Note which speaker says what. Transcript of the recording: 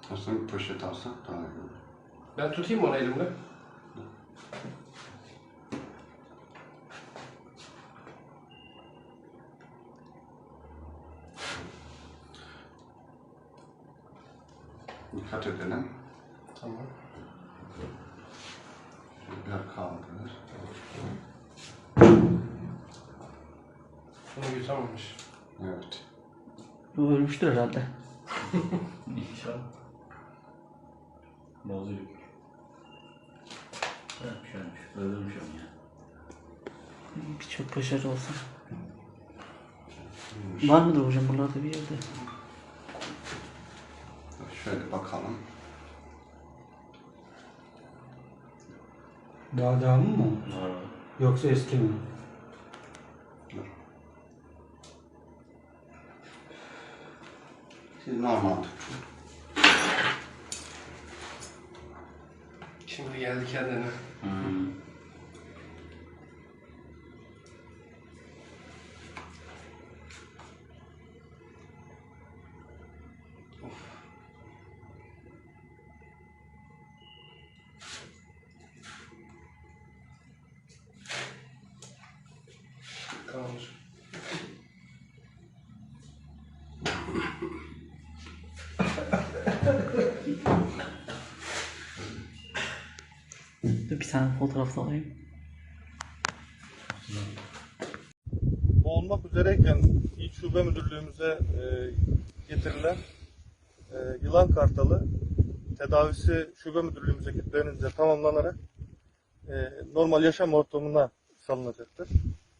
Speaker 1: Aslında bir poşet alsak daha iyi olur.
Speaker 2: Ben tutayım mı onu elimle?
Speaker 1: Dikkat edelim.
Speaker 2: Tamam.
Speaker 1: Bir kaldır.
Speaker 2: Bunu yutamamış.
Speaker 1: Evet.
Speaker 3: Bu ölmüştür herhalde.
Speaker 4: İnşallah. Bozuyor. Ölmüş. Öldürmüş onu ya.
Speaker 3: Bir çok başarılı olsun. Var mıdır hocam buralarda bir yerde?
Speaker 1: Şöyle bakalım.
Speaker 5: Daha devamı mı?
Speaker 4: Var.
Speaker 5: Yoksa eski mi?
Speaker 1: Dur. Siz normal tutun.
Speaker 2: Şimdi geldi kendine. Kalmış.
Speaker 3: Dur bir tane fotoğraf da alayım.
Speaker 6: Boğulmak üzereyken İl Şube Müdürlüğümüze getirilen yılan kartalı tedavisi Şube Müdürlüğümüz ekiplerince tamamlanarak normal yaşam ortamına salınacaktır.